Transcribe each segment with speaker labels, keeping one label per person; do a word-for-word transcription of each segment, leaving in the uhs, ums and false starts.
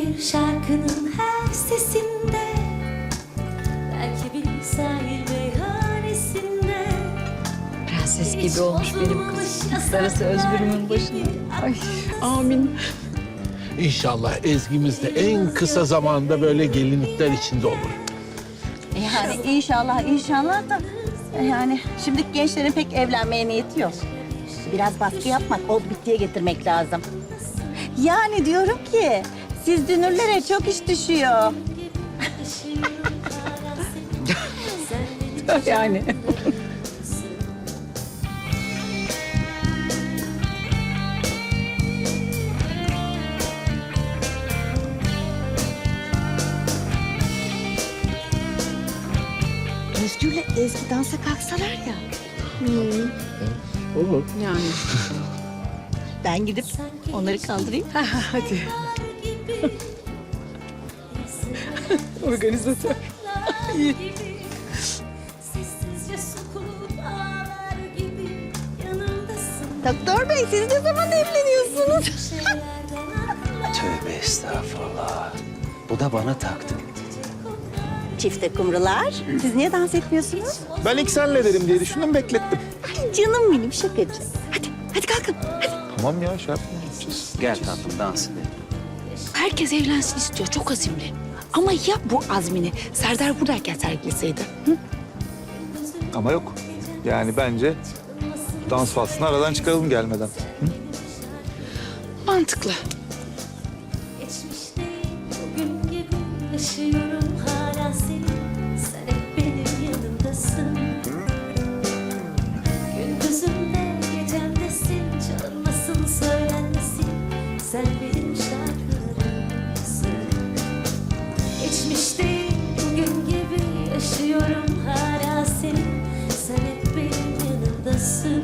Speaker 1: bir şarkının her sesinde, belki bir sahil meyhanesinde.
Speaker 2: Prenses gibi olmuş benim kızım. Darısı Özgür'ümün başına. Ay amin.
Speaker 3: İnşallah Ezgi'miz de en kısa zamanda böyle gelinlikler içinde olur.
Speaker 4: Yani inşallah inşallah da yani şimdiki gençlerin pek evlenmeye niyeti yok. Biraz baskı yapmak, ol bittiye getirmek lazım. Yani diyorum ki siz dünürlere çok iş düşüyor.
Speaker 2: Yani.
Speaker 4: Özgür'le Ezgi dansa kalksalar ya.
Speaker 3: Olur.
Speaker 2: Yani.
Speaker 4: Ben gidip onları kaldırayım.
Speaker 2: Hadi. Organizatör.
Speaker 1: Sessizce sokup ağlar gibi yanımdasın.
Speaker 4: Doktor Bey siz ne zaman evleniyorsunuz?
Speaker 5: Tövbe estağfurullah. Bu da bana taktı.
Speaker 4: Çifte kumrular. Siz niye dans etmiyorsunuz?
Speaker 6: Ben ilk senle derim diye düşündüm, beklettim.
Speaker 4: Ay canım benim şakacı. Hadi, hadi kalkın. Hadi.
Speaker 6: Tamam ya, şey yapmayacağız.
Speaker 5: Gel tatlım dans edelim.
Speaker 7: Herkes evlensin istiyor, çok azimli. Ama ya bu azmini Serdar buradayken sergileseydi? Hı?
Speaker 6: Ama yok. Yani bence dans faslını aradan çıkaralım gelmeden.
Speaker 7: Mantıklı.
Speaker 1: Geçmişte bugün gibi yaşıyorum hala seni. Sen hep benim yanımdasın. Gündüzümde gecemdesin. Çalınmasın söylenmesin. Sen benim şarkılarımsın. Geçmişte bugün gibi yaşıyorum hala seni. Sen hep benim yanımdasın.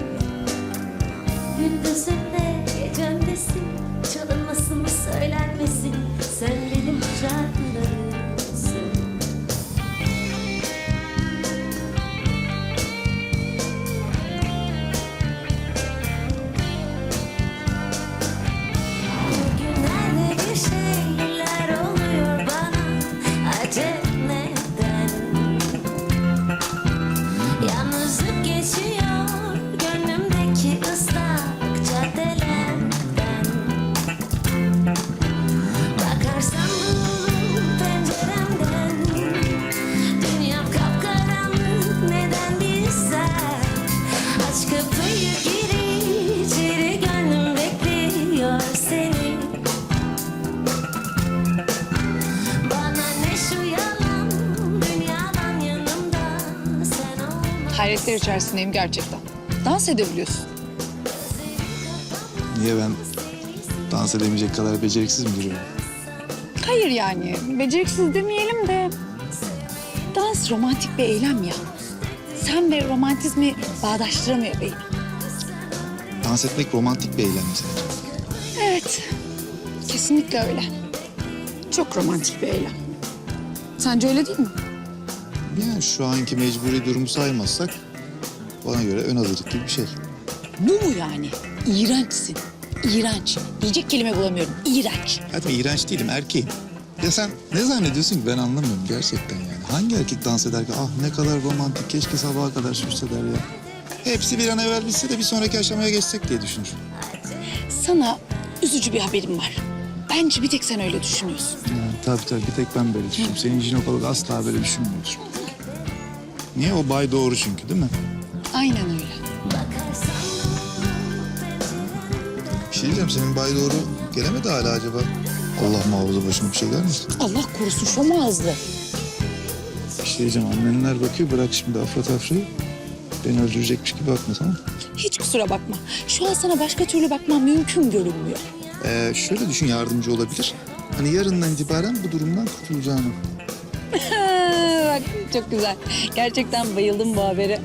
Speaker 1: Gündüzümde gecemdesin. Çalınmasın mı söylenmesin. Sen benim şarkılarımsın. Bugünlerde bir şeyler oluyor bana. Acep neden? Yalnızlık geçiyor gönlümdeki ıslak caddelerden. Bakarsam bu penceremden, dünyam kapkaranlık neden bilsem. Aç kapıyı gir içeri, gönlüm bekliyor seni. Bana ne şu yalan, dünyadan yanımda sen olma.
Speaker 7: Hayretler içerisindeyim gerçekten. Dans edebiliyorsun.
Speaker 6: Niye ben dans edemeyecek kadar beceriksiz mi duruyorum?
Speaker 7: Hayır yani, beceriksiz demeyelim de... Dans romantik bir eylem ya. Sen ve romantizmi bağdaştıramıyor beyim.
Speaker 6: Dans etmek romantik bir eylem mesela.
Speaker 7: Evet, kesinlikle öyle. Çok romantik bir eylem. Sence öyle değil mi?
Speaker 6: Yani şu anki mecburi durumu saymazsak bana göre ön hazırlık gibi bir şey.
Speaker 7: Bu mu yani? İğrençsin. İğrenç. Diyecek kelime bulamıyorum. İğrenç.
Speaker 6: Hadi iğrenç değilim, erkeğim. Ya sen ne zannediyorsun ki, ben anlamıyorum gerçekten yani. Hangi erkek dans eder ki ah ne kadar romantik, keşke sabaha kadar sürse der ya. Hepsi bir an evvel bitse de bir sonraki aşamaya geçsek diye düşünür.
Speaker 7: Sana üzücü bir haberim var. Bence bir tek sen öyle düşünüyorsun.
Speaker 6: Yani, tabii tabii bir tek ben böyle düşünüyorum. Senin jinekolog asla böyle düşünmüyordur. Niye? O bay doğru çünkü değil mi?
Speaker 7: Aynen öyle.
Speaker 6: Bir şey diyeceğim, senin bay doğru gelemedi hala acaba? Allah muhafaza başıma bir şey gelmesin.
Speaker 7: Allah korusun şom ağızlı.
Speaker 6: Bir şey diyeceğim, annenler bakıyor, bırak şimdi afra tafrayı. Beni öldürecekmiş gibi bakma, tamam mı?
Speaker 7: Hiç kusura bakma. Şu an sana başka türlü bakmam mümkün görünmüyor.
Speaker 6: Ee, şöyle düşün, yardımcı olabilir. Hani yarından itibaren bu durumdan kurtulacağını.
Speaker 7: Bak çok güzel. Gerçekten bayıldım bu habere.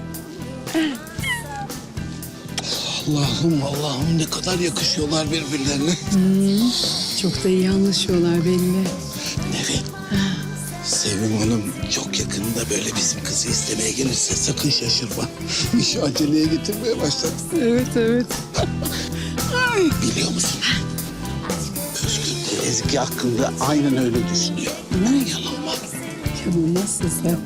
Speaker 3: Allah'ım Allah'ım ne kadar yakışıyorlar birbirlerine.
Speaker 2: Çok da iyi anlaşıyorlar belli.
Speaker 3: Evet. Sevim Hanım çok yakında böyle bizim kızı istemeye gelirse sakın şaşırma. İşi aceleye getirmeye başladı.
Speaker 2: Evet evet.
Speaker 3: Biliyor musun? Özgür de Ezgi hakkında aynen öyle düşünüyor. Ne yalan var?
Speaker 2: Canım nasılsın?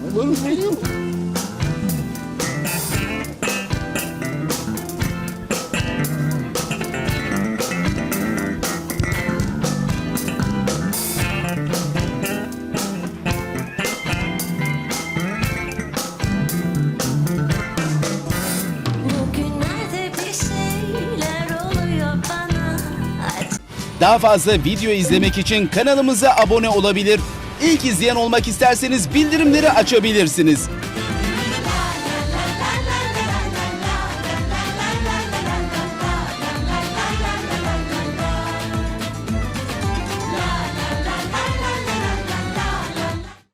Speaker 1: Bugünlerde bir şeyler oluyor bana.
Speaker 8: Daha fazla video izlemek için kanalımıza abone olabilir. İlk izleyen olmak isterseniz bildirimleri açabilirsiniz.